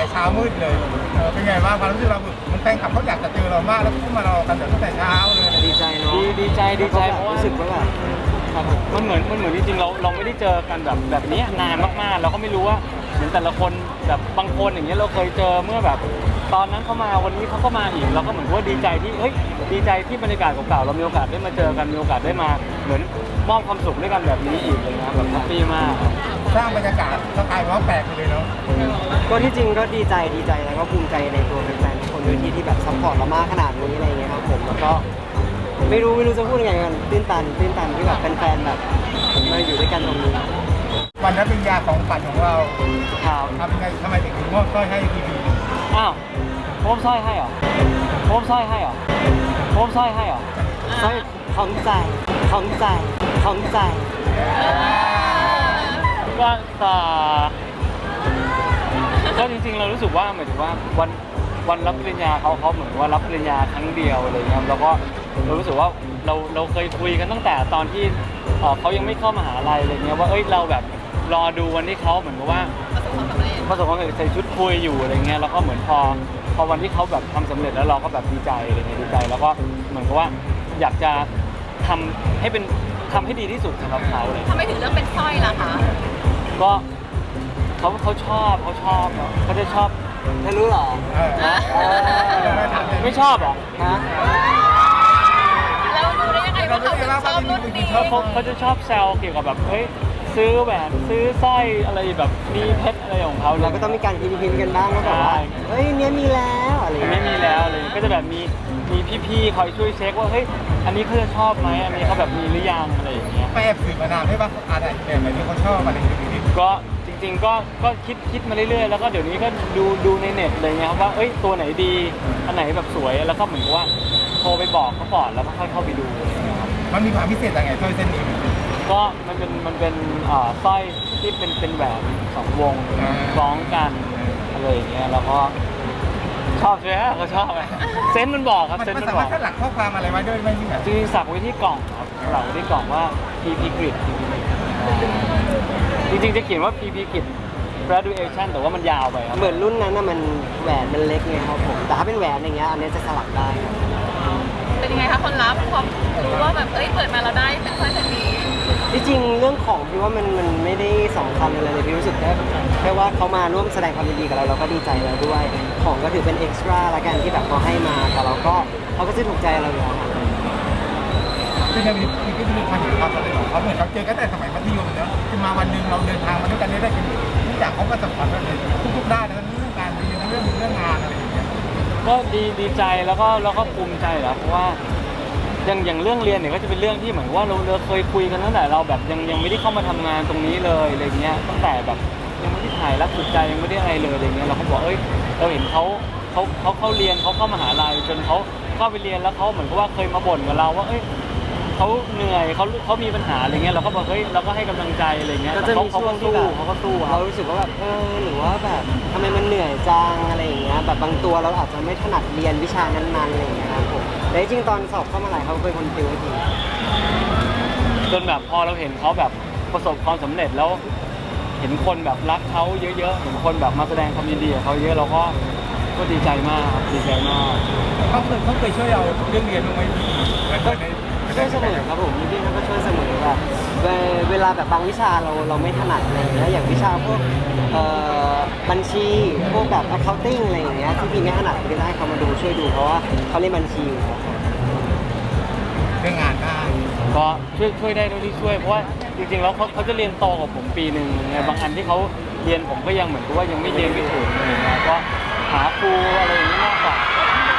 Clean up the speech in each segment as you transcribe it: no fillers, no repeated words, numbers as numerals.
เช้ามืดเลยเป็นไงบ้างความรู้สึกเรามันแฟนคลับเขาอยากจะเจอเรามากแล้วก็มารอกันตั้งแต่เช้าเลยดีใจเนาะดีใจเพราะว่ารู้สึกว่าแบบมันเหมือนจริงๆเราไม่ได้เจอกันแบบนี้นานมากๆเราก็ไม่รู้ว่าเหมือนแต่ละคนแบบบางคนอย่างเงี้ยเราเคยเจอเมื่อแบบตอนนั้นเขามาวันนี้เขาก็มาอีกเราก็เหมือนว่าดีใจที่ดีใจที่บรรยากาศเก่าๆเรามีโอกาสได้มาเจอกันมีโอกาสได้มาเหมือนมอบความสุขด้วยกันแบบนี้อีกเลยนะแบบแฮปปี้มากสร้างบรรยากาศสกายว่าแปลกไปเลยเนาะก็ที่จริงก็ดีใจแล้วก็ภูมิใจในตัวแฟนๆทุกคนด้วยที่แบบซัพพอร์ตเรามากขนาดนี้อะไรเงี้ยครับผมแล้วก็ไม่รู้จะพูดยังไงกันตื้นตันที่แบบแฟนๆแบบผมมาอยู่ด้วยกันตรงนี้วันรับปริญญาของฝันของเราครับทำยังไงทำไมถึงมอบสร้อยให้พีพีอ้าวมอบสร้อยให้เหรอมอบสร้อยให้เหรอมอบสร้อยให้เหรอสร้อยของใจก็จริงๆเรารู้สึกว่าหมายถึงว่าวันรับปริญญาเขาเหมือนว่ารับปริญญาครั้งเดียวอะไรเงี้ยแล้วก็เรารู้สึกว่าเราเคยคุยกันตั้งแต่ตอนที่เขายังไม่เข้ามหาลัยอะไรเงี้ยว่าเราแบบรอดูวันที่เขาเหมือนกับว่าประสบความสำเร็จใส่ชุดคุยอยู่อะไรเงี้ยแล้วก็เหมือนพอวันที่เขาแบบทำสำเร็จแล้วเราก็แบบดีใจอะไรเงี้ยดีใจแล้วก็เหมือนกับว่าอยากจะทำให้ดีที่สุดสำหรับเขาเลยทำไมถึงเลือกเป็นสร้อยล่ะคะก็เขาชอบเขาจะชอบเธอรู้เหรอไม่ชอบเหรอฮะแล้วรู้ได้ยังไงว่าเขาถึงชอบรุ่นนี้เขาจะชอบแซวเกี่ยวกับแบบซื้อแหวนซื้อสร้อยอะไรแบบมีเพชรอะไรของเขาเราก็ต้องมีการพิมพ์กันบ้างว่าแบบว่าเนี้ยมีแล้วอะไรไม่มีแล้วเลยก็จะแบบมีพี่ๆคอยช่วยเช็คว่าอันนี้เขาจะชอบไหมอันนี้เขาแบบมีหรือยังอะไรอย่างเงี้ยไปแอบสืบมานานให้ป่ะอะไรแบบไหนที่เขาชอบอะไรอย่างเงี้ยก็จริงๆก็คิดมาเรื่อยๆแล้วก็เดี๋ยวนี้ก็ดูในเน็ตเลยไงครับว่าตัวไหนดีอันไหนแบบสวยแล้วก็เหมือนกับว่าโทรไปบอกเขาก่อนแล้วก็ค่อยเข้าไปดูมันมีความพิเศษยังไงสร้อยเส้นนี้ก็มันเป็นสร้อยที่เป็นแหวน2 วงคล้องกันอะไรอย่างเงี้ยแล้วก็ชอบใช่ไหมเขาชอบไหมเซนต์มันบอกครับเซนต์มันบอกสลักข้อความอะไรไว้ด้วยไหมพี่แบบจริงสักไว้ที่กล่องครับสลักไว้ที่กล่องว่า PP Grid จริงๆจะเขียนว่า PP Grid graduation แต่ว่ามันยาวไปครับเหมือนรุ่นนั้นน่ะมันแหวนมันเล็กไงครับผมแต่ถ้าเป็นแหวนอย่างเงี้ยอันนี้จะสลักได้เป็นยังไงคะคนรับพอรู้ว่าแบบเปิดมาเราได้เป็นสร้อยเส้นนี้ที่จริงเรื่องของพี่ว่ามันไม่ได้สำคัญอะไรเลยพี่รู้สึกแค่ว่าเขามาร่วมแสดงความยินดีกับเราก็ดีใจแล้วด้วยของก็ถือเป็นเอ็กซ์ตร้าละกันที่แบบเขาให้มาแต่เขาก็ซื้อถูกใจเราอยู่แล้วคือในนี้ก็มีความเห็นความสำเร็จของเขาเหมือนเราเจอกันแต่สมัยมัธยมเนาะคือมาวันหนึ่งเราเดินทางมาด้วยกันได้กันทุกอย่างเขาประสบความสำเร็จทุกๆด้านทั้งเรื่องการเรียนทั้งเรื่องงานอะไรอย่างเงี้ยก็ดีใจแล้วก็ภูมิใจแหละเพราะว่าอย่างเรื่องเรียนเนี่ยก็จะเป็นเรื่องที่เหมือนว่าเราเคยคุยกันตั้งแต่เราแบบยังไม่ได้เข้ามาทำงานตรงนี้เลยอะไรเงี้ยตั้งแต่แบบยังไม่ได้ถ่ายรักสุดใจยังไม่ได้อะไรเลยอะไรเงี้ยเราก็บอกเราเห็นเขาเรียนเขาเข้ามหาลัยจนเขาเข้าไปเรียนแล้วเขาเหมือนกับว่าเคยมาบ่นกับเราว่าเขาเหนื่อยเขามีปัญหาอะไรเงี้ยเราก็บอกเราก็ให้กำลังใจอะไรเงี้ยก็จะมีช่วงที่แบบเขาก็สู้เรารู้สึกว่าแบบหรือว่าแบบทำไมมันเหนื่อยจังอะไรอย่างเงี้ยแบบบางตัวเราอาจจะไม่ถนัดเรียนวิชานั้นๆอะไรอย่างเงี้ยครับผมแต่จริงตอนสอบเข้ามหาลัยเขาเป็นคนติวให้ดีจนแบบพอเราเห็นเขาแบบประสบความสำเร็จแล้วเห็นคนแบบรักเขาเยอะๆเห็นคนแบบมาแสดงความยินดีกับเขาเยอะเราก็ดีใจมากดีใจมากเขาเคยช่วยเราเรื่องเรียนบ้างไหมช่วยเสมอครับผมพี่เขาก็ช่วยเสมอแบบเวลาแบบบางวิชาเราไม่ถนัดอะไรอย่างเงี้ยอย่างวิชาพวกบัญชีพวกแบบ accounting อะไรอย่างเงี้ยที่พี่ไม่ถนัดพี่ได้เขามาดูช่วยดูเพราะว่าเขาเรียนบัญชีอยู่เรื่องงานได้ก็ช่วยได้ด้วยที่ช่วยเพราะว่าจริงๆแล้วเขาจะเรียนโตกว่าผมปีหนึ่งไงบางอันที่เขาเรียนผมก็ยังเหมือนกับว่ายังไม่เรียนไม่ถึงอะไรเงี้ยก็หาครูอะไรอย่างนี้มากกว่า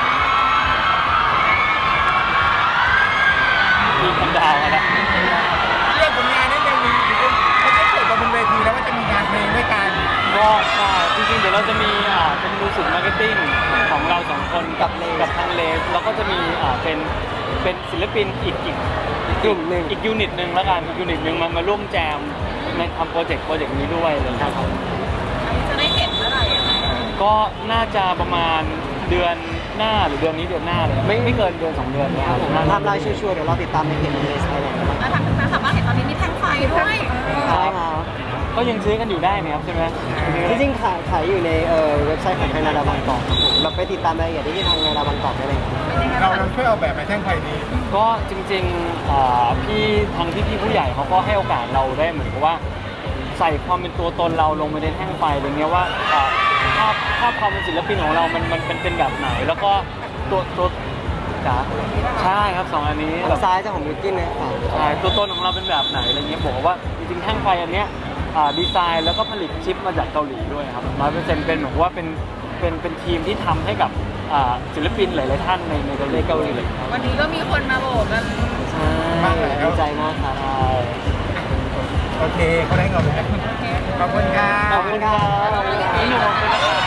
มีคำดาวนะเรื่องผลงานนี่ยังมีเขาจะเปิดบนเวทีแล้วว่าจะมีงานเพลงด้วยกันก็จริงๆเดี๋ยวเราจะมีเป็นมิวสิกมาร์เก็ตติ้งของเรา2 คนกับทางเลสแล้วก็จะมีเป็นศิลปินอีกกลุ่มหนึ่งอีกยูนิตหนึ่งแล้วกันอีกยูนิตหนึ่งมาร่วมแจมในทำโปรเจกต์นี้ด้วยเลยครับจะได้เห็นเมื่อไหร่ก็น่าจะประมาณเดือนหน้าหรือเดือนหน้าเลยไม่เกินเดือน2 เดือนนะครับทำลายชัวร์ๆเดี๋ยวเราติดตามในเพจเลสไทยแลนด์แล้วทางสามารถเห็นตอนนี้มีแท่งไฟด้วยใช่ครับก็ยังซื้อกันอยู่ได้นะครับใช่ไหมจริงๆขายอยู่ในเว็บไซต์ของไทยนาดาบางกอกครับผมเราไปติดตามรายละเอียดได้ที่ทางนาดาบางกอกได้เลยครับเป็นยังไงเราบ้างช่วยเอาแบบมาแท่งไฟนี้ก็จริงๆพี่ทางพี่ผู้ใหญ่เขาก็ให้โอกาสเราได้เหมือนกับว่าใส่ความเป็นตัวตนเราลงไปในแท่งไฟอะไรเงี้ยว่าภาพความเป็นศิลปินของเรามันเป็นแบบไหน แล้วก็ตัวจ๋าใช่ครับ2 อันนี้ทางซ้ายจะของบิวกิ้นนะครับใช่ตัวตนของเราเป็นแบบไหนอะไรเงี้ยบอกว่าจริงๆแท่งไฟอันเนี้ยดีไซน์แล้วก็ผลิตชิปมาจากเกาหลีด้วยครับ100%เป็นเหมือนว่าเป็นทีมที่ทำให้กับศิลปินหลายๆท่านในประเทศเกาหลีเลยครับวันนี้ก็มีคนมาโบกกันใช่ดีใจมากครับโอเคเขาได้เงินเลยขอบคุณครับขอบคุณครับพี่หนุ่มขอบคุณนะครับ